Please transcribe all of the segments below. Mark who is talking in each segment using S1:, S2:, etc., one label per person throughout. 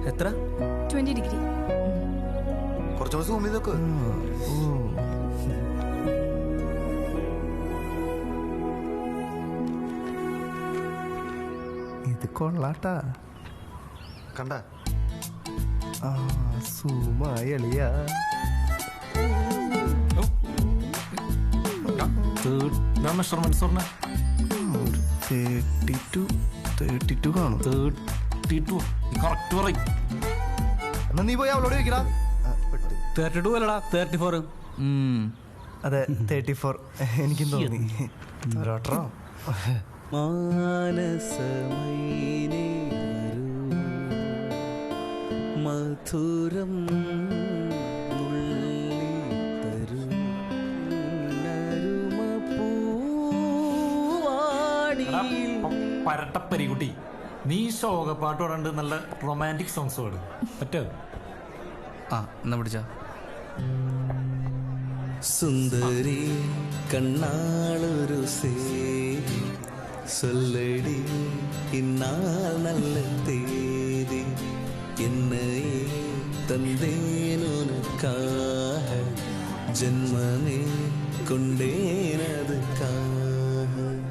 S1: എത്ര?
S2: 20 ഡിഗ്രി.
S1: കുറച്ചുകൂടെ സൂം ചെയ്തൊക്കെ.
S3: ഇത് കൊള്ളാട്ടാ.
S1: കണ്ട
S3: സൂമായി എളിയാ.
S4: മെഷർമെന്റ്സ് പറഞ്ഞ
S3: 32 കാണും.
S4: 32 കറക്റ്റ് പറയും.
S3: എന്നാ നീ പോയി അവളോട് ചോദിക്കടാ.
S5: 32 അല്ലടാ 34.
S3: അതെ 34 എനിക്കും തോന്നി. ഒരോട്ടോ
S5: മാനസമൈനേ മധുരം
S4: പരട്ടപ്പരികുട്ടി, നീ ശോകപ്പാട്ട് പാടാണ്ട് നല്ല റൊമാൻറ്റിക് സോങ്സ് പാടും പറ്റോ?
S5: എന്നാ പിടിച്ച. സുന്ദരി കണ്ണാളൊരു சேதி சொல்லடி இந்நாள் நல்ல தேதி என்னையே தந்தேன் உனக்காக ஜென்மமே கொண்டேன் அதுக்காக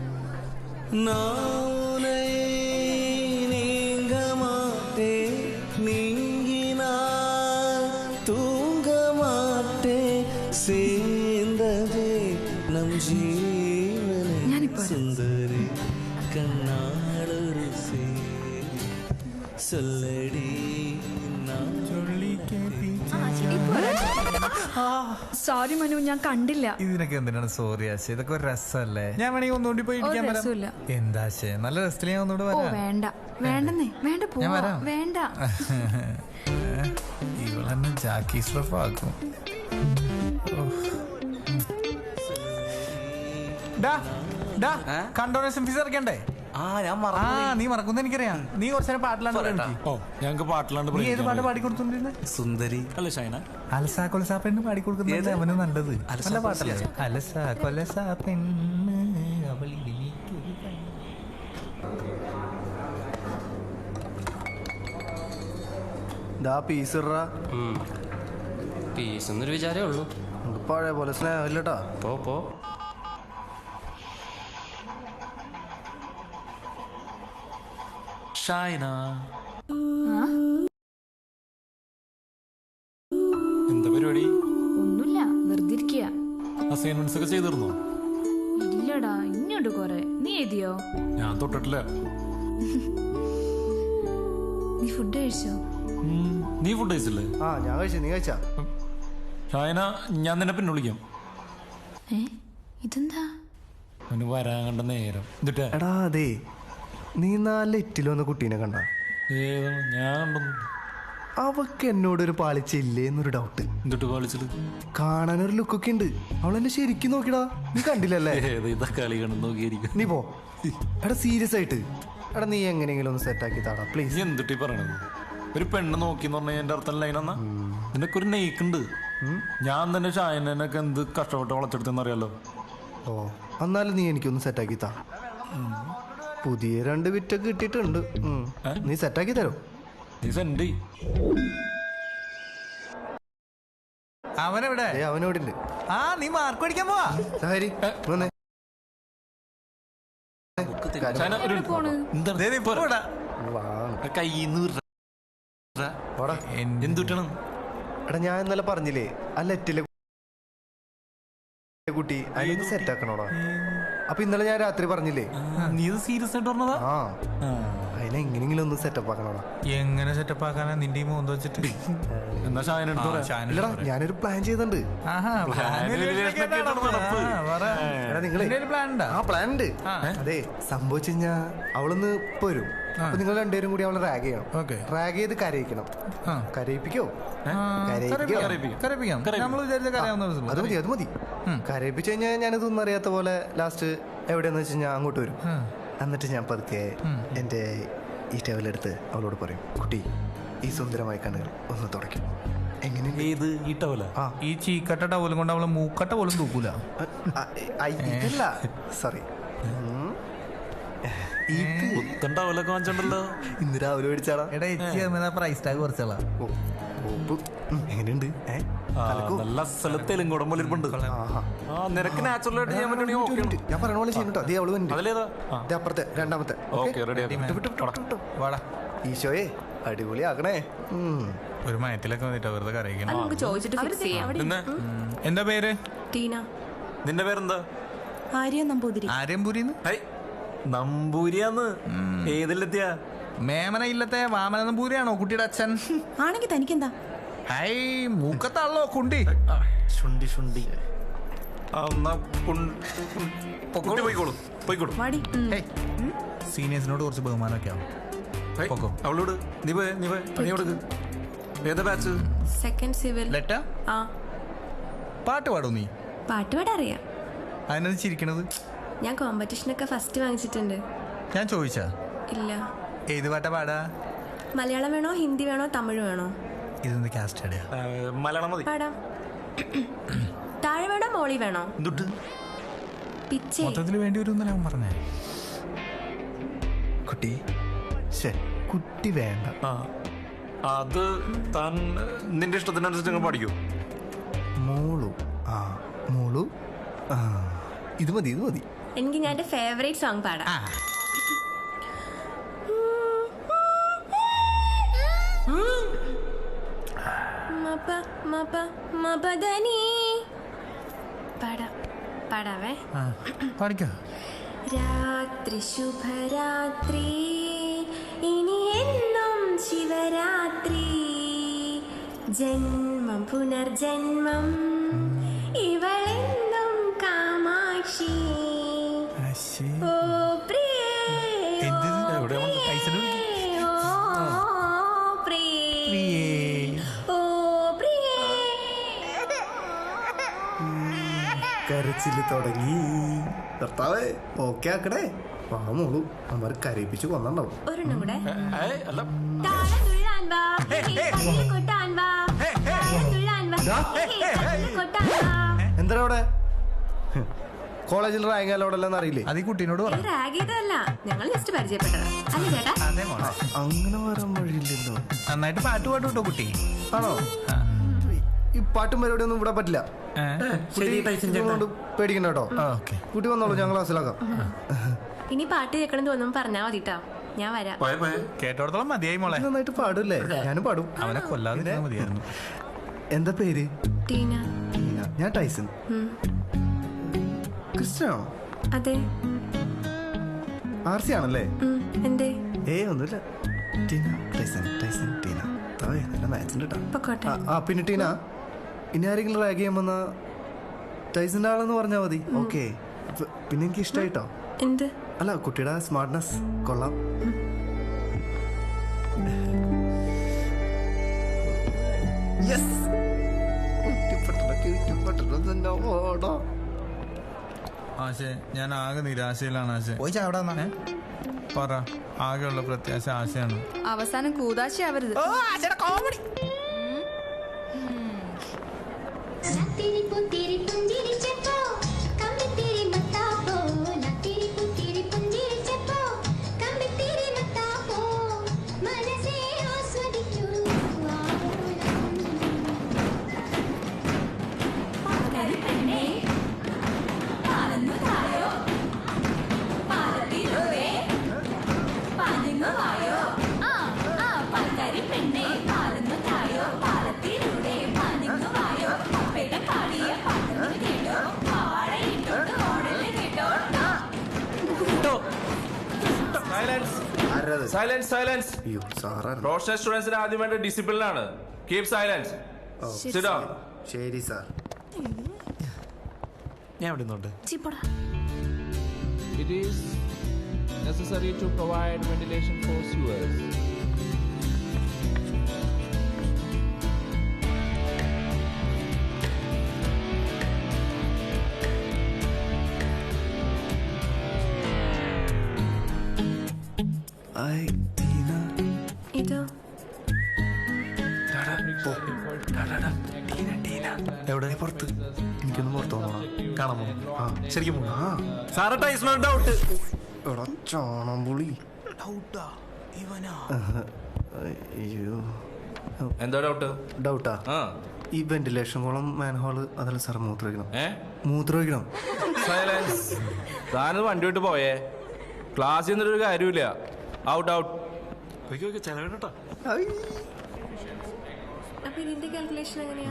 S5: நானே நீங்க மாட்டேன் நீங்கினால் தூங்க மாட்டேன் சேர்ந்ததே நம் ஜீவனே சுந்தரி കണ്ണാളൊരു சொல்லடி
S2: സോറി മനു, ഞാൻ കണ്ടില്ല.
S3: ഇതിനൊക്കെ എന്തിനാണ് സോറി ആശ? ഇതൊക്കെ ഒരു രസമല്ലേ? ഞാൻ വേണമെങ്കിൽ ഒന്നുകൂടി പോയി
S2: രസമില്ല.
S3: എന്താ ആശ, നല്ല രസത്തിൽ ഞാൻ ഒന്നുകൂടെ വരാം.
S2: വേണ്ട വേണ്ടെന്നേ, വേണ്ട പോവാ, വേണ്ട.
S3: ഇവളെന്നെ ജാക്കി സ്ട്രഫ് ആക്കും. കണ്ടോണേഷൻ ഫീസ് ഇറക്കണ്ടേ? നീ മറക്കുന്ന എനിക്കറിയാം. നീ കുറച്ചു പാട്ടിലാണ്ട്
S4: ഞങ്ങൾക്ക് പാട്ടിലാണ്ട്.
S3: നീ ഏത് പാട്ട് പാടിക്കൊടുത്തോണ്ടിരുന്നെ?
S5: സുന്ദരി
S4: അല്ല ഷൈന,
S3: അലസാ കൊലസാ പെണ്ണ് പാടിക്കൊടുക്കുന്നത് അവന് നല്ലത്. നല്ല പാട്ടല്ലേ? അലസാ കൊലസാ പെണ്ണ്
S6: പീസ് എന്നൊരു വിചാരേ ഉള്ളൂ.
S3: പഴയ പോലെ സ്നേഹമില്ലട്ടാ.
S6: പോ
S4: ഷൈന എന്താ പരിപാടി?
S2: ഒന്നുമില്ല, വെറുതെ ഇരിക്കുക.
S4: അസൈൻമെന്റ്സ് ഒക്കെ ചെയ്തിരുന്നോ?
S2: ഇല്ലടാ, ഇനിയുണ്ട് കൊറേ. നീ എഴുതിയോ?
S4: ഞാൻ തൊട്ടിട്ടില്ല.
S2: നീ ഫുഡ് കഴിച്ചോ?
S4: നീ ഫുഡ് കഴിച്ചില്ലേ?
S3: ഞാൻ കഴിച്ചു. നീ കഴിച്ചാ?
S4: ഷൈന, ഞാൻ നിന്നെ പിന്നെ വിളിക്കാം.
S2: ഇതെന്താ?
S4: അവന് വരാൻ കണ്ട നേരം.
S3: എടാ അതെ, നീ 4 എറ്റിൽ വന്ന കുട്ടീനെ കണ്ട?
S4: ഞാൻ കണ്ടൊന്നും.
S3: അവക്ക് എന്നോടൊരു പാളിച്ചില്ലേ എന്നൊരു ഡൗട്ട്.
S4: എന്നിട്ട് കളിച്ചത്
S3: കാണാനൊരു ലുക്കൊക്കെ ഉണ്ട്. അവളെന്നെ ശരിക്കും നോക്കിടാ. നീ കണ്ടില്ലല്ലേ?
S4: കളി കണ്ടു നോക്കിയായിരിക്കും.
S3: നീ പോ. എടാ സീരിയസ് ആയിട്ട് എടാ, നീ എങ്ങനെയെങ്കിലും ഒന്ന് സെറ്റ് ആക്കി താടാ പ്ലീസ്.
S4: എന്തിട്ട് പറയണത്? ഒരു പെണ്ണ് നോക്കിന്ന് പറഞ്ഞാൽ എന്റെ അർത്ഥം ലൈനെന്നാ? നിനക്ക് ഒരു നെയ്ക്കുണ്ട്. ഞാൻ തന്നെ ഷായനൊക്കെ എന്ത് കഷ്ടപ്പെട്ട് വളച്ചെടുത്തെന്ന് അറിയാലോ.
S3: എന്നാലും നീ എനിക്കൊന്ന് സെറ്റാക്കി താ. പുതിയ 2 വിറ്റൊക്കെ കിട്ടിയിട്ടുണ്ട്. നീ സെറ്റാക്കി തരോ?
S4: നീ സെൻഡ്.
S3: അവനെവിടെ? അവനോട് ഉണ്ട്. നീ മാർക്ക് പഠിക്കാൻ പോവാ.
S4: എന്തുട്ടണം?
S3: എടാ ഞാൻ ഇന്നലെ പറഞ്ഞില്ലേ ആ ലെറ്റിലെ കുട്ടി അതിന് സെറ്റ് ആക്കണോടാ. അപ്പൊ ഇന്നലെ ഞാൻ രാത്രി പറഞ്ഞില്ലേ?
S4: നീ സീരിയസ് ആയിട്ട് പറഞ്ഞതാ?
S3: അതിനെ എങ്ങനെയെങ്കിലും ഒന്ന് സെറ്റപ്പ് ആക്കണോടാ.
S5: എങ്ങനെ സെറ്റപ്പ് ആക്കാനാ നിന്റെ മോന്ത് വെച്ചിട്ട്?
S3: ഇല്ലടാ, ഞാനൊരു പ്ലാൻ ചെയ്തിട്ടുണ്ട്. പ്ലാൻ ഉണ്ട്. അതെ, സംഭവിച്ചു കഴിഞ്ഞാ അവളൊന്ന് ഇപ്പൊ വരും. അപ്പൊ നിങ്ങൾ രണ്ടുപേരും കൂടി അവളെ റാഗ് ചെയ്യണം. റാഗ് ചെയ്ത് കരയിക്കണം. കരയിപ്പിക്കോ? അത് മതി, അത് മതി. കരയിപ്പിച്ചു കഴിഞ്ഞാൽ ഞാനിതൊന്നും അറിയാത്ത പോലെ ലാസ്റ്റ് എവിടെയെന്ന് വെച്ച് കഴിഞ്ഞാൽ അങ്ങോട്ട് വരും. എന്നിട്ട് ഞാൻ പതുക്കെ എൻ്റെ ഈ ടവലെടുത്ത് അവളോട് പറയും, കുട്ടി ഈ സുന്ദരമായ കണ്ണുകൾ ഒന്ന് തുടയ്ക്കും. എങ്ങനെ?
S5: ഈ ചീക്കട്ട ടവലും കൊണ്ട് അവളെ മൂക്കട്ട പോലും തൂക്കൂല.
S3: സോറി.
S4: പുത്തൻ ടവലൊക്കെ വാങ്ങിച്ചിട്ടുണ്ടല്ലോ.
S3: ഇന്ന് രാവിലെ മേടിച്ചാടാ.
S5: എടാ എച്ചി പ്രൈസ് ടാഗ് കുറച്ചോളാം.
S3: എങ്ങനെയുണ്ട്?
S4: നല്ല സ്ഥലത്തേലും കുടമ്പലിരിപ്പുണ്ട്. നിനക്ക് നാച്ചുറൽ ആയിട്ട് ചെയ്യാൻ പറ്റുകയാണെങ്കിൽ
S3: ഞാൻ പറയണ പോലെ ചെയ്യുന്നുണ്ടോ? അതേ അവള് വന്നു.
S4: അതിലേതാ?
S3: അപ്പുറത്തെ രണ്ടാമത്തെ.
S4: റെഡി.
S3: ഈശോയെ അടിപൊളിയാക്കണേ.
S5: ഒരു മയത്തിലൊക്കെ വന്നിട്ടാ വെറുതെ കരയിക്കണം.
S2: നമുക്ക് ചോദിച്ചിട്ട് ഫിക്സ് ചെയ്യാം.
S5: എന്താ പേര്?
S2: ടീന.
S4: നിന്റെ പേരെന്താ?
S2: ആര്യ നമ്പൂതിരി.
S5: ആര്യംപുരിന്ന്
S4: നമ്പൂരിയാന്ന്. ഏതിലെത്തിയാ?
S5: മേമന ഇല്ലത്തെ വാമന നമ്പൂരിയാണോ കുട്ടിയുടെ അച്ഛൻ?
S2: ആണെങ്കിൽ തനിക്കെന്താ?
S5: ഹൈ മൂക്കത്താണല്ലോ കുണ്ടി.
S4: ശുണ്ടി ശുണ്ടി. പോയിക്കോളൂ.
S2: വാടി.
S5: സീനിയേഴ്സിനോട് കുറച്ച് ബഹുമാനമൊക്കെ ആവും.
S4: അവളോട് നീ പോയ പണി കൊടുക്ക്. ഏതാ ബാച്ച്?
S2: Second civil.
S5: ലെറ്റ
S2: ആ
S5: പാട്ട് പാടോ നീ?
S2: പാട്ട് പാടറിയാം.
S5: അതിനത് ചിരിക്കണത്?
S2: ഞാൻ കോമ്പറ്റീഷനൊക്കെ ഫസ്റ്റ് വാങ്ങിച്ചിട്ടുണ്ട്.
S5: ഞാൻ ചോദിച്ചാ?
S2: ഇല്ല.
S5: ഏത് പാട്ടാ പാടാ?
S2: മലയാളം വേണോ ഹിന്ദി വേണോ തമിഴ് വേണോ?
S5: ഇതെന്ത് കാസ്റ്റ് അടിയാ?
S4: മലയാളം മതി.
S2: പാടാം. താഴെ വേണോ മോളി വേണോ?
S4: എന്തുട്ട്
S2: പിച്ചേ.
S5: മൊത്തത്തിൽ വേണ്ടി വരും എന്നല്ല അവൻ പറഞ്ഞേ.
S3: കുട്ടി കുട്ടി വേണ്ട.
S4: അത് താൻ നിന്റെ ഇഷ്ടത്തിനനുസരിച്ച് നിങ്ങൾ പഠിക്കൂ.
S3: മോളു മോളു ഇത് മതി.
S2: എനിക്ക് ഞാൻ എന്റെ ഫേവറേറ്റ് സോങ് പാടാം. പാടാവേ.
S5: പാടിക്കോ.
S2: രാത്രി ശുഭരാത്രി ഇനി എന്നും ശിവരാത്രി ജന്മം പുനർജന്മം ഇവളെന്നും കാമാക്ഷി. ഓ പ്രിയേ
S3: കരച്ചില് തുടങ്ങി. കർത്താവേ ഓക്കെ ആക്കണേ. മോളു അമ്മ കരയിപ്പിച്ച് കൊന്നുണ്ടാവും.
S2: ഒരെണ്ണം കൂടെ.
S3: എന്താ അവിടെ കോളേജിൽ റാങ്കോടെല്ലാം അറിയില്ലേ?
S5: അത് ഈ കുട്ടീനോട് പറ.
S2: ഞങ്ങൾ ജസ്റ്റ് പരിചയപ്പെട്ടതാ. അല്ലേ ചേട്ടാ?
S3: അങ്ങനെ വരാൻ വഴിയില്ലല്ലോ.
S5: നന്നായിട്ട് പാട്ട് പാട്ട് കേട്ടോ കുട്ടി.
S3: ആണോ? ഈ പാട്ടും പരിപാടി ഒന്നും ഇവിടെ പറ്റില്ല. പേടിക്കണ്ട കേട്ടോ. കുട്ടി വന്നോളൂ, ഞാൻ ക്ലാസ്സിലാക്കാം.
S2: ഇനി പാട്ട് കേൾക്കണം തോന്നുമ്പോ പറഞ്ഞാ മതിട്ടോ, ഞാൻ വരാം.
S5: കേട്ടോടത്തോളം മതിയായി മോളെ.
S3: നന്നായിട്ട് പാടൂല്ലേ? ഞാനും പാടും.
S5: അവനെ കൊല്ലാതെ മതിയായിരുന്നു.
S3: എന്താ പേര്?
S2: ടീന.
S3: ഞാൻ ടൈസൺ. ക്രിസ്ത്യനാണോ?
S2: അതെ.
S3: ആർസി ആണല്ലേ?
S2: എന്തേ?
S3: ഒന്നുമില്ല. ടീന ടൈസൺ ടീന. നല്ല മാച്ചിന്റെ കേട്ടോ. പിന്നെ ടീന, ഇനി ആരെങ്കിലും റാഗ് ചെയ്യാൻ വന്ന ടൈസന്റെ ആളെന്ന് പറഞ്ഞാൽ മതി. ഓക്കെ. പിന്നെ എനിക്ക് ഇഷ്ടമായിട്ടോ.
S2: എന്ത്?
S3: അല്ല, കുട്ടിയുടെ സ്മാർട്ട്നെസ് കൊള്ളാം.
S5: ആശേ, ഞാൻ ആകെ നിരാശയിലാണ് ആശേ. പറ, ആകെയുള്ള പ്രത്യാശ ആശയാണ്.
S2: അവസാനം കൂതാശയാവരുത്.
S6: Silence silence. പ്രൊഫഷണൽ സ്റ്റുഡൻസിന് ആദ്യം വേണ്ട ഡിസിപ്ലിൻ ആണ്. Keep silence. Sit down.
S3: ശരി സാർ.
S4: ഞാൻ ഇവിടെ നിന്നുണ്ട്.
S6: It is necessary to provide ventilation for sewers.
S2: ഇതോ?
S3: എവിടെ? പുറത്ത്. എനിക്കൊന്ന് പുറത്ത് പോകണം.
S4: കാണാമോ? ശരിക്കും സാറ് ടൈസൺ ഡൗട്ട്.
S3: എടാ ചാണമ്പുളി. അയ്യോ
S6: എന്താ ഡൗട്ട്?
S3: ഡൗട്ടാ?
S6: ആ
S3: ഈ വെന്റിലേഷൻ കോളം മാൻഹോള് അതല്ല സാർ മൂത്രമൊഴിക്കണം.
S6: ഏ
S3: മൂത്രമൊഴിക്കണം.
S6: സൈലൻസ്. താനത് വണ്ടി വിട്ട് പോയേ. ക്ലാസ്സിൽ നിന്നൊരു കാര്യമില്ല. Out out.
S4: ചെലവേട്ടാ
S7: അപ്പൊ ഇതിന്റെ കാൽക്കുലേഷൻ എങ്ങനെയാ?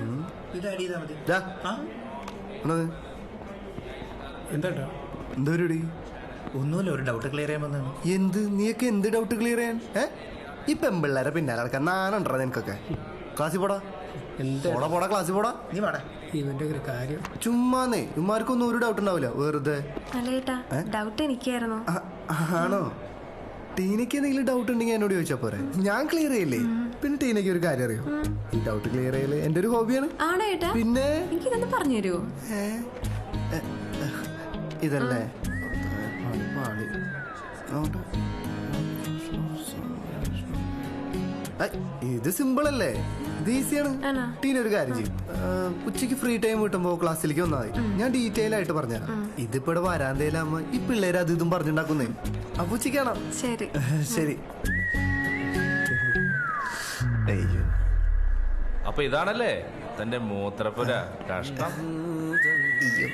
S3: എന്താ പരിപാടി?
S8: ഒന്നുമില്ല, ഒരു ഡൗട്ട് ക്ലിയർ ചെയ്യാൻ വന്നതാണ്.
S3: എന്ത്? നീയൊക്കെ എന്ത് ഡൗട്ട് ക്ലിയർ ചെയ്യാൻ? ഈ പെമ്പിള്ളേരെ പിന്നാലെ നടക്കാൻ നാനുണ്ടോ നിനക്കൊക്കെ? ക്ലാസ്സിൽ പോടാ, പോടാ ക്ലാസ്സിൽ പോടാ.
S8: നീ വാടാ. ഇവന്റെ ഒരു കാര്യം
S3: ചുമ്മാന്നേ ഇവന്മാർക്കൊന്നും ഒരു ഡൗട്ട് ഉണ്ടാവില്ല വെറുതെ.
S7: അല്ലേട്ടാ, ഡൗട്ട് എനിക്കായിരുന്നു.
S3: ആണോ? ടീനയ്ക്ക് എന്തെങ്കിലും ഡൗട്ട് ഉണ്ടെങ്കിൽ എന്നോട് ചോദിച്ചാ പോരെ, ഞാൻ ക്ലിയർ ചെയ്യില്ലേ. പിന്നെ ടീനയ്ക്ക് ഒരു കാര്യം അറിയോ? ഈ ഡൗട്ട് ക്ലിയർ ചെയ്യല് എന്റെ ഒരു ഹോബിയാണ്.
S7: ആണോ ഏട്ടാ?
S3: പിന്നെ
S7: എനിക്കിതൊന്ന് പറഞ്ഞു തരുമോ?
S3: ഇതല്ലേ ഇത് സിമ്പിൾ അല്ലേ? ഇത് ഈസിയാണ്. ടീന ഒരു കാര്യം ചെയ്യും, ഉച്ചയ്ക്ക് ഫ്രീ ടൈം കിട്ടുമ്പോ ക്ലാസ്സിലേക്ക് വന്നാൽ മതി, ഞാൻ ഡീറ്റെയിൽ ആയിട്ട് പറഞ്ഞുതരാം. ഇതിപ്പോ ഇവിടെ വരാന്തയിലാകുമ്പോ ഈ പിള്ളേര് അത് ഇതും പറഞ്ഞുണ്ടാക്കുന്നേ. അപ്പൊ ഉച്ചയ്ക്കാണോ?
S7: ശരി
S3: ശരി. അയ്യോ,
S6: അപ്പൊ ഇതാണല്ലേ തന്റെ മൂത്രപ്പുര. കഷ്ടം.
S3: അയ്യോ.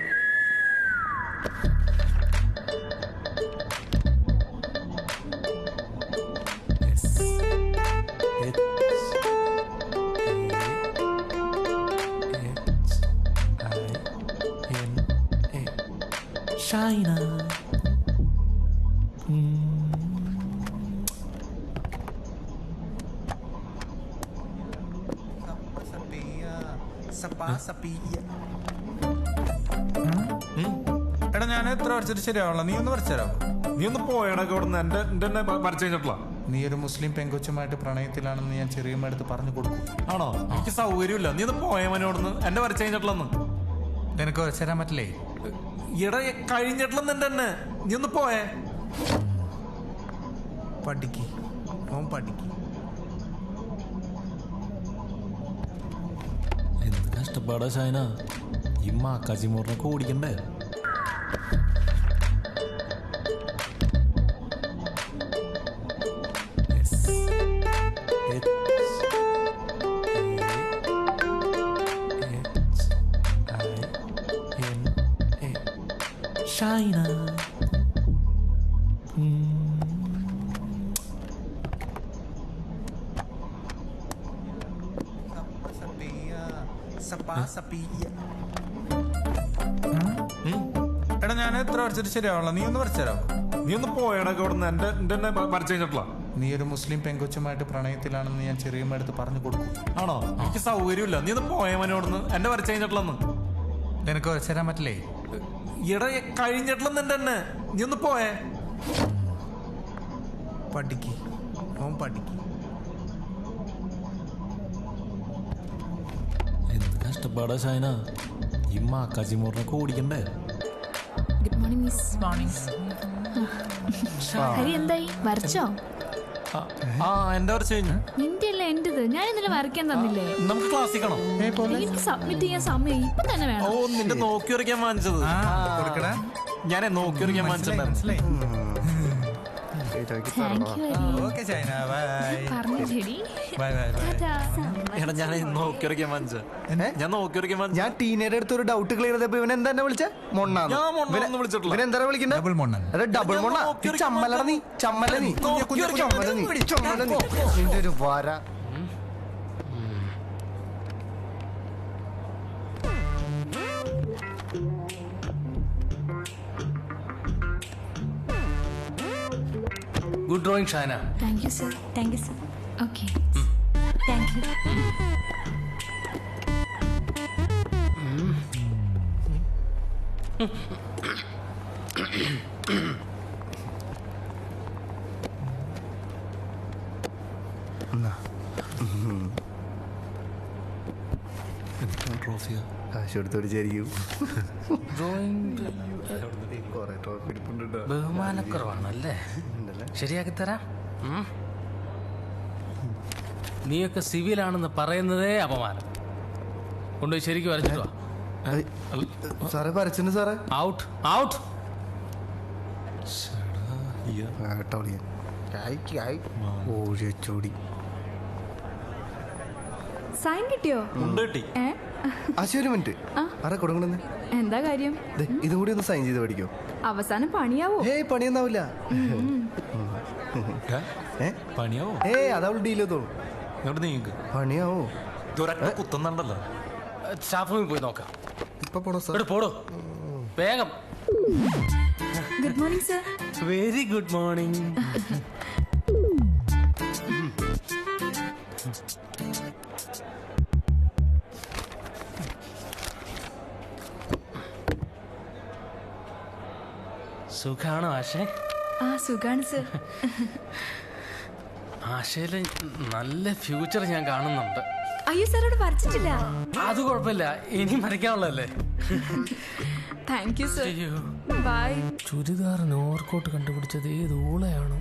S5: China. എടാ ഞാൻ എത്ര വരച്ചിട്ട് ശരിയാവണം, നീ ഒന്ന് വരച്ചു തരാമോ?
S4: നീ ഒന്ന് പോയടക്കെ ഇവിടെ നിന്ന് എന്റെ വരച്ചു കഴിഞ്ഞിട്ടുള്ള.
S5: നീ ഒരു മുസ്ലിം പെങ്കൊച്ചുമായിട്ട് പ്രണയത്തിലാണെന്ന് ഞാൻ ചെറിയമ്മടുത്ത് പറഞ്ഞു കൊടുക്കും.
S4: ആണോ? എനിക്ക് സൗകര്യമില്ല. നീ ഒന്ന് പോയവനോടൊന്ന് എന്റെ വരച്ചു കഴിഞ്ഞിട്ടുള്ളന്ന്.
S5: നിനക്ക് വരച്ചു തരാൻ പറ്റില്ലേ?
S4: ഇട കഴിഞ്ഞിട്ടുള്ള തന്നെ. നീ ഒന്ന് പോയേ.
S5: പഠിക്ക്, ഓൻ പഠിക്ക്.
S4: എന്ത് കഷ്ടപ്പാടാ ഷൈന. ഈ മാക്കാച്ചിമോറിനൊക്കെ ഓടിക്കണ്ടേ?
S5: China. എടാ ഞാൻ എത്ര വരച്ചിട്ട് ശരിയാവണം, നീ ഒന്ന് വരച്ചു തരാമോ?
S4: നീ ഒന്ന് പോയടക്കെ ഇവിടെ നിന്ന് എന്റെ വരച്ചു കഴിഞ്ഞിട്ടുള്ള.
S5: നീ ഒരു മുസ്ലിം പെങ്കൊച്ചുമായിട്ട് പ്രണയത്തിലാണെന്ന് ഞാൻ ചെറിയമ്മടുത്ത് പറഞ്ഞു കൊടുക്കും.
S4: ആണോ? എനിക്ക് സൗകര്യമില്ല. നീ ഒന്ന് പോയവനോടന്ന് എന്റെ വരച്ചു കഴിഞ്ഞിട്ടുള്ളന്ന്.
S5: നിനക്ക് വരച്ചു തരാൻ പറ്റില്ലേ?
S4: ഇട കഴിഞ്ഞിട്ടുള്ള തന്നെ. നീ ഒന്ന് പോയേ.
S5: പഠിക്ക്, ഓൻ പഠിക്ക്.
S4: എന്ത് കഷ്ടപ്പാടാ ഷൈന. ഈ മാക്കാച്ചിമോറിനൊക്കെ ഓടിക്കണ്ടേ?
S2: Good morning miss. Morning. Hari എന്തായി, വരച്ചോ?
S4: എന്റെ വരച്ചു കഴിഞ്ഞു.
S2: നിന്റെ അല്ല എന്റേത്. ഞാൻ ഇന്നലെ വരയ്ക്കാൻ തന്നില്ലേ?
S4: നമുക്ക് ക്ലാസ്സിൽ കാണാം.
S2: എനിക്ക് സബ്മിറ്റ് ചെയ്യാൻ സമയം ഇപ്പൊ തന്നെ വേണം.
S4: ഓ, നിന്റെ നോക്കി വരയ്ക്കാൻ വാങ്ങിച്ചത്. ഞാനേ നോക്കി വരയ്ക്കാൻ വാങ്ങിച്ചിട്ടുണ്ടായിരുന്നു.
S2: Thank you Hari.
S5: ഓക്കെ ചൈന, ബൈ.
S2: പറഞ്ഞു ശരി.
S5: Bye bye bye.
S4: എടാ ഞാൻ നോക്കി വരയ്ക്കാൻ വാങ്ങിച്ച. ഞാൻ നോക്കി വരയ്ക്കാൻ വാങ്ങിച്ച.
S3: ഞാൻ ടീനയുടെ അടുത്ത് ഒരു ഡൗട്ട് ക്ലിയർ ചെയ്തപ്പോ ഇവൻ എന്താ വിളിച്ചേ? മൊണ്ണാന്ന്.
S4: ഞാൻ മൊണ്ണാന്ന് വിളിച്ചിട്ടില്ല.
S3: ഇവൻ എന്താ വിളിക്കണ്ടേ?
S5: ഡബിൾ മൊണ്ണൻ.
S3: അതെ, ഡബിൾ മൊണ്ണ. ചമ്മലട നീ, ചമ്മല നീ, ചമ്മല നീ, ചമ്മല നീ. നിന്റെ ഒരു വര.
S8: Good drawing Shana.
S2: Thank you sir. Thank you sir. Okay, thank you.
S4: ട്രോഫിയാ?
S3: കാശ് കൊടുത്തോടിച്ചായിരിക്കും.
S8: ബഹുമാനക്കുറവാണല്ലേ? ശരിയാക്കി തരാം. നീയൊക്കെ സിവിലാണെന്ന് പറയുന്നതേ അപമാനം. കൊണ്ടുപോയി ശരിക്കും വരച്ചിട്ട് വാ.
S3: സാറേ വരച്ചിട്ടുണ്ട് സാറേ.
S8: Out out.
S3: വേട്ടോളിയൻ ഓടിച്ചോടി.
S2: സൈൻ കിട്ടിയോ? ഏ?
S3: ഒരു മിനിറ്റ് ആരാ കൊടുക്കണെന്ന്?
S2: എന്താ കാര്യം?
S3: ഇതും കൂടി ഒന്ന് സൈൻ ചെയ്ത് പഠിക്കോ?
S2: അവസാനം പണിയാവോ?
S3: പണിയൊന്നാവില്ല.
S4: പണിയാവോ?
S3: അതവള് ഡീൽ ചെയ്തോളൂ. പണിയാവോ?
S4: കുത്തുന്നുണ്ടല്ലോ.
S8: സ്റ്റാഫ് റൂമിൽ പോയി നോക്കാം.
S3: ഇപ്പൊ പോണോ സാർ?
S8: പോടോ വേഗം.
S2: Good morning sir.
S8: Very good morning. സുഖാണോ ആശേ?
S2: സുഖാണ് സർ.
S8: ആശയില് നല്ല ഫ്യൂച്ചർ ഞാൻ കാണുന്നുണ്ട്.
S2: അയ്യോ സാർ അവിടെ വരച്ചിട്ടില്ല.
S8: അത് കുഴപ്പമില്ല, ഇനി വരയ്ക്കാനുള്ളതല്ലേ.
S2: Thank you sir. ബൈ.
S8: ചുരിദാറിന് ഓവർകോട്ട് കണ്ടുപിടിച്ചത് ഏത് ഊളയാണോ?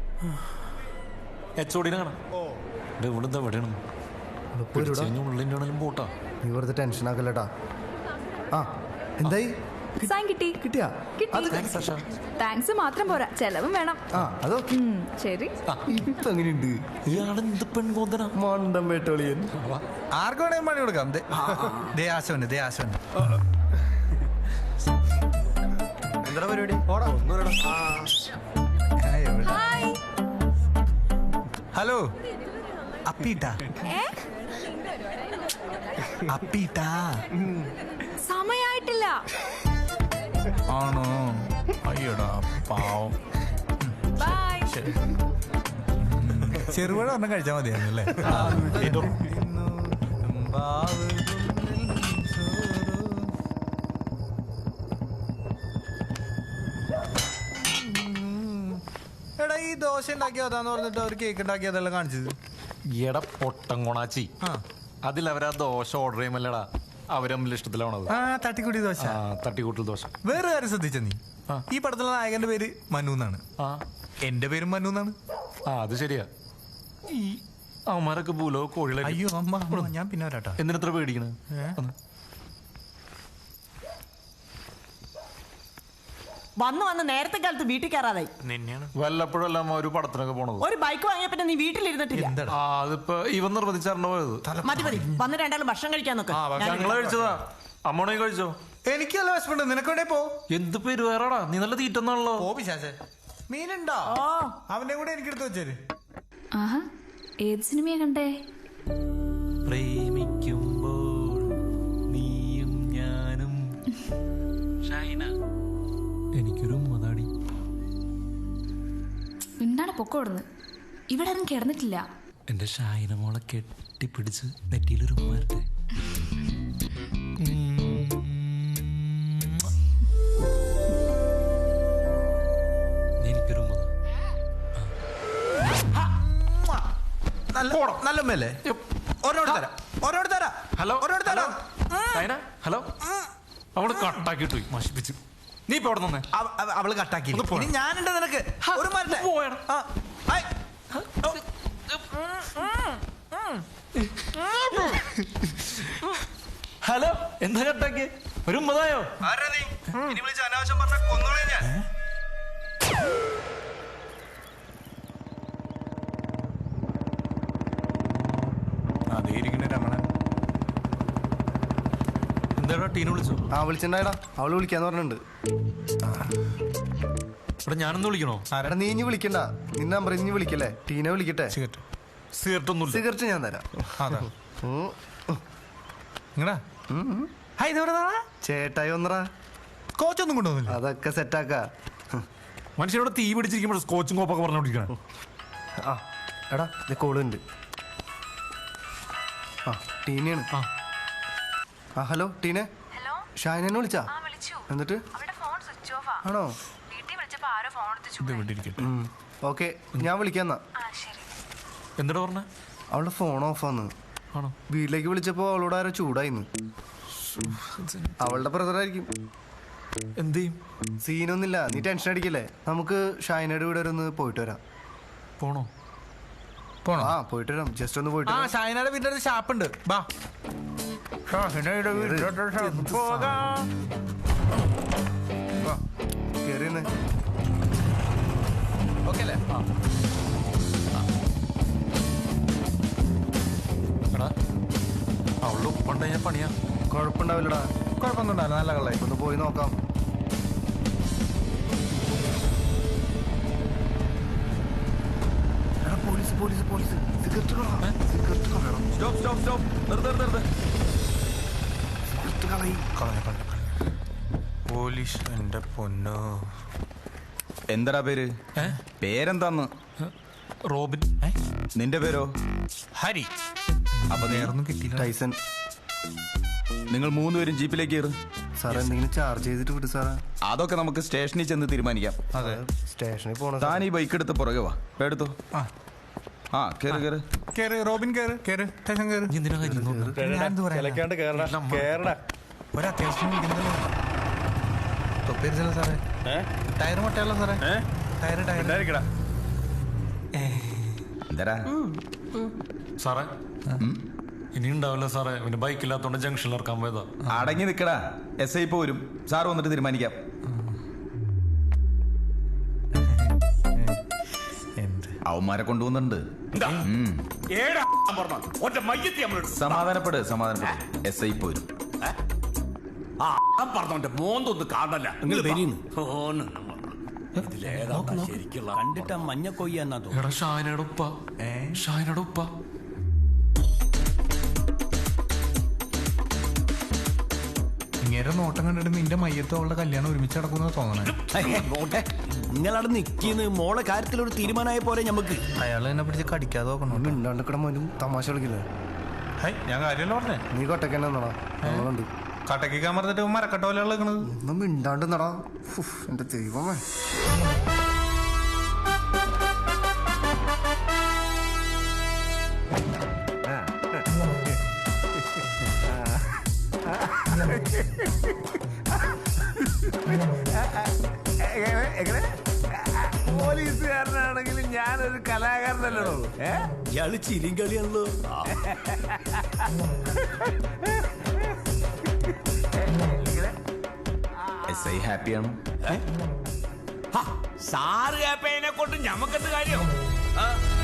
S4: പോട്ടാ.
S3: നീ വെറുതെ ടെൻഷൻ ആക്കല്ലട്ടാ. എന്തായി?
S2: സൈൻ കിട്ടി.
S3: കിട്ടിയാ?
S2: താങ്ക്സ് മാത്രം പോരാ, ചെലവും വേണം.
S3: അതൊക്കെ
S2: ശരി.
S3: ഇപ്പൊ എങ്ങനെയുണ്ട്?
S4: ഇയാളെന്ത് പെൺകോന്തന
S3: മണ്ടം വേട്ടോളിയൻ.
S5: ആർക്ക് വേണേ പണി കൊടുക്കാം.
S3: എന്താ പരിപാടി?
S5: ഹലോ അപ്പീട്ടാ.
S2: സമയായിട്ടില്ല.
S5: ആണോ? അയ്യോടാ പാവം.
S2: ബൈ.
S5: ചെറുപഴ ഒരെണ്ണം കഴിച്ചാൽ മതിയായിരുന്നു അല്ലേ? എടാ ഈ ദോശ ഉണ്ടാക്കിയതാന്ന് പറഞ്ഞിട്ട് അവർ കേക്ക് ഉണ്ടാക്കിയതെല്ലാം കാണിച്ചത്.
S4: എടാ പൊട്ടം കൊണാച്ചി, അതിലവരാ ദോശ ഓർഡർ ചെയ്യുമല്ലടാ, അവരമ്മിൽ ഇഷ്ടത്തിലാണത്.
S5: തട്ടിക്കൂട്ടി ദോശ.
S4: തട്ടിക്കൂട്ടൽ ദോശ.
S5: വേറെ കാര്യം ശ്രദ്ധിച്ച നീ, ഈ പടത്തിലെ നായകന്റെ പേര് മനു എന്നാണ്. എന്റെ പേരും മനു എന്നാണ്.
S4: അത് ശരിയാ. ഈ അവന്മാരൊക്കെ പൂലോ കോഴികളെ.
S5: അയ്യോ അമ്മ, ഞാൻ പിന്നെ വരാട്ടാ.
S4: എന്തിനെത്ര പേടിക്കണേ?
S9: വന്ന് നേരത്തെ കാലത്ത് വീട്ടിൽ കയറാതായി.
S4: വല്ലപ്പോഴല്ല ഒരു പടത്തിനൊക്കെ പോണത്.
S9: ഒരു ബൈക്ക് വാങ്ങിയ പിന്നെ നീ വീട്ടിലിരുന്നിട്ടില്ല.
S4: അതിപ്പോ ഇവൻ നിർബന്ധിച്ചാണ് പോയത്.
S9: മതി വന്ന് രണ്ടാളും ഭക്ഷണം കഴിക്കാൻ നോക്ക്.
S4: ഞങ്ങളെ കഴിച്ചതാ. അമ്മണേ കഴിച്ചോ?
S5: എനിക്ക് നല്ല വിശപ്പുണ്ട്. നിനക്കെവിടെ പോ?
S4: എന്ത് പേര് വേറെടാ, നീ നല്ല തീറ്റന്നാണല്ലോ.
S5: മീനുണ്ടോ? അവന്റെ കൂടെ എനിക്കെടുത്ത് വെച്ചേര്.
S2: ഏത് സിനിമയാ കണ്ടേ?
S4: പ്രേമിക്കുമ്പോൾ നീയും ഞാനും. എനിക്കൊരു മതാടി.
S2: എന്താണ് പൊക്കോടുന്ന്? ഇവിടെ ആരും കിടന്നിട്ടില്ല.
S4: എന്റെ ഷായിന മോളെ കെട്ടിപ്പിടിച്ച് നെറ്റിയിലൊരു മാരട്ടെ. എനിക്കൊരു
S5: നല്ല മേലേ
S4: ഹലോ ഹലോ. അവള് കട്ടാക്കിട്ടു നശിപ്പിച്ചു. നീ ഇപ്പൊ അവിടെ നിന്നേ.
S5: അവള് കട്ടാക്കി. ഞാനുണ്ട് നിനക്ക്. ഒരു
S4: ഹലോ, എന്താ കട്ടാക്കിയ? ഒരു ഉമ്മതായോ?
S5: അനാവശ്യം പറഞ്ഞ കൊന്നോളെ ഞാൻ. രമണൻ
S4: എന്താടാ ടീനെ വിളിച്ചോ?
S3: വിളിച്ചിട്ടുണ്ടായടാ. അവള് വിളിക്കാന്ന് പറഞ്ഞിട്ടുണ്ട്.
S4: ഇവിടെ ഞാനൊന്ന് വിളിക്കണോ?
S3: നീ ഇനി വിളിക്കണ്ട. നിന്റെ നമ്പർ ഇനി വിളിക്കല്ലേ? ടീനെ വിളിക്കട്ടെ.
S4: സിഗരറ്റ് ഒന്നും.
S3: സിഗരറ്റ് ഞാൻ തരാം. ചേട്ടായി ഒന്നറാ.
S5: കോച്ചൊന്നും കൊണ്ടുവന്നില്ല.
S3: അതൊക്കെ സെറ്റാക്ക.
S4: മനുഷ്യരോട് തീ പിടിച്ചിരിക്കുമ്പോൾ സ്കോച്ചും കോപ്പൊക്കെ പറഞ്ഞോണ്ടിരിക്കണം.
S3: എടാ കോളുണ്ട്. ടീനയാണ്. ഹലോ ടീനെ. ഷായനെ വിളിച്ചാ? എന്നിട്ട് ആണോ? ഓക്കെ, ഞാൻ വിളിക്കാന്നാ.
S4: എന്താ പറഞ്ഞ?
S3: അവളുടെ ഫോൺ ഓഫാന്ന്. വീട്ടിലേക്ക് വിളിച്ചപ്പോ അവളോട് ആരോ ചൂടായിന്ന്. അവളുടെ ബ്രദറായിരിക്കും.
S4: എന്ത് ചെയ്യും?
S3: സീനൊന്നുമില്ല, നീ ടെൻഷൻ അടിക്കല്ലേ. നമുക്ക് ഷായനയുടെ വീട് വരെ ഒന്ന് പോയിട്ട് വരാം.
S4: പോണോ?
S3: പോയിട്ട് വരാം. ജസ്റ്റ് ഒന്ന് പോയിട്ട്.
S5: ഷായനയുടെ വീട്ടിലൊരു ഷാപ്പുണ്ട്. ബാ. ഓക്കെ അല്ലേ?
S4: എടാ അവളുടെ ഉപ്പുണ്ട് ഞാൻ പണിയാ.
S3: കുഴപ്പമുണ്ടാവില്ലടാ.
S5: കുഴപ്പമൊന്നും ഉണ്ടാവില്ല, നല്ല കള്ളായി.
S3: ഒന്ന് പോയി നോക്കാം. Police police police. Cigarette cigarette കളയണം. സിഗരറ്റ് കളയും.
S5: കളഞ്ഞു. പോലീസ് എന്റെ പൊന്നോ.
S10: എന്താടാ പേര്? പേരെന്താന്ന്?
S5: റോബിൻ.
S10: നിന്റെ പേരോ?
S5: ഹരി.
S10: അപ്പൊ
S5: നേരൊന്നും കിട്ടിയില്ല.
S3: ടൈസൺ.
S10: നിങ്ങൾ 3 പേരും ജീപ്പിലേക്ക് കയറും.
S3: സാർ എന്തെങ്കിലും ചാർജ് ചെയ്തിട്ട് വിട് സാറാ.
S10: അതൊക്കെ നമുക്ക് സ്റ്റേഷനിൽ ചെന്ന് തീരുമാനിക്കാം.
S5: അതെ,
S3: സ്റ്റേഷനിൽ പോണ.
S10: താൻ ഈ ബൈക്ക് എടുത്ത് പുറകെ വാ. എടുത്തോ. ആ കേറ് കേറ്
S5: കേറ് റോബിൻ, കേറ് കേറ്. സ്റ്റേഷൻ കേറ്. ഒരത്യാവശ്യം തൊപ്പിരിച്ചല്ലോ സാറേ. ടയർ മൊട്ടയല്ലോ സാറേ. ടയർ
S10: എന്താ
S4: സാറേ ഇനി ഉണ്ടാവില്ല സാറേ. പിന്നെ ബൈക്കില്ലാത്തോണ്ട് ജംഗ്ഷനിൽ ഇറക്കാൻ പോയതാ.
S10: അടങ്ങി നിക്കടാ. SI പോരും. സാറ് വന്നിട്ട് തീരുമാനിക്കാം. അവന്മാരെ കൊണ്ടുപോകുന്നുണ്ട്. സമാധാനപ്പെട്. SI പോരും.
S11: മോന്തൊന്ന് കാണല്ല. കണ്ടിട്ട് മഞ്ഞ കൊയ്യാന്നാ തോന്നുന്നു.
S4: എടാ ഷായനയുടെ ഉപ്പ. ഷായനയുടെ ഉപ്പ.
S5: ഇങ്ങനെ നോട്ടം കണ്ടിട്ട് നിന്റെ മയ്യത്തും അവളുടെ കല്യാണം ഒരുമിച്ച് നടക്കുന്ന തോന്നണേ.
S11: നിങ്ങളവിടെ നിൽക്കുന്നു. മോളെ കാര്യത്തിൽ ഒരു തീരുമാനമായ പോലെ ഞമ്മക്ക്.
S5: അയാൾ എന്നെ പിടിച്ച് കടിക്കാതെ നോക്കണം.
S3: മിണ്ടാണ്ടിക്കട മോനും തമാശ കളിക്കില്ലേ?
S5: ഞാൻ കാര്യമല്ല പറഞ്ഞേ.
S3: നീ കൊട്ടക്കന്നെന്നാടാ നമ്മളുണ്ട്.
S5: കട്ടക്കിക്കാൻ പറഞ്ഞിട്ട് മരക്കട്ട പോലെ കളിക്കണത്.
S3: ഒന്നും മിണ്ടാണ്ട് നടാ. എന്റെ ദൈവമേ.
S11: പോലീസുകാരനാണെങ്കിലും ഞാനൊരു കലാകാരനല്ലോ. ഇയാള് ചിരിയും കളിയാണല്ലോ.
S10: SI ഹാപ്പിയാണോ?
S11: സാറ് ഹാപ്പിനെ കൊണ്ട് ഞമ്മക്കെന്ത് കാര്യം?